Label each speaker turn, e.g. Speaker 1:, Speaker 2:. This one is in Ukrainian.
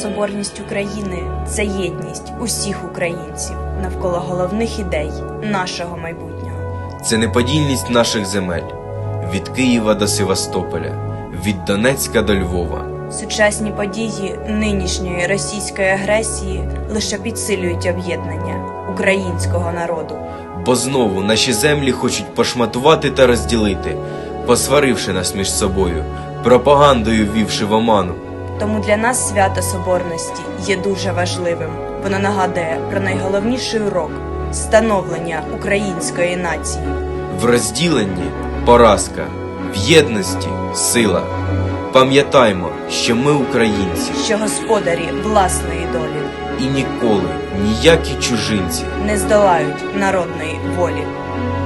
Speaker 1: Соборність України – це єдність усіх українців навколо головних ідей нашого майбутнього.
Speaker 2: Це неподільність наших земель від Києва до Севастополя, від Донецька до Львова.
Speaker 1: Сучасні події нинішньої російської агресії лише підсилюють об'єднання українського народу.
Speaker 2: Бо знову наші землі хочуть пошматувати та розділити, посваривши нас між собою, пропагандою ввівши в оману.
Speaker 1: Тому для нас свято Соборності є дуже важливим. Воно нагадує про найголовніший урок – становлення української нації.
Speaker 2: В розділенні – поразка, в єдності – сила. Пам'ятаймо, що ми українці,
Speaker 1: Що господарі власної долі
Speaker 2: і ніколи ніякі чужинці
Speaker 1: не здолають народної волі.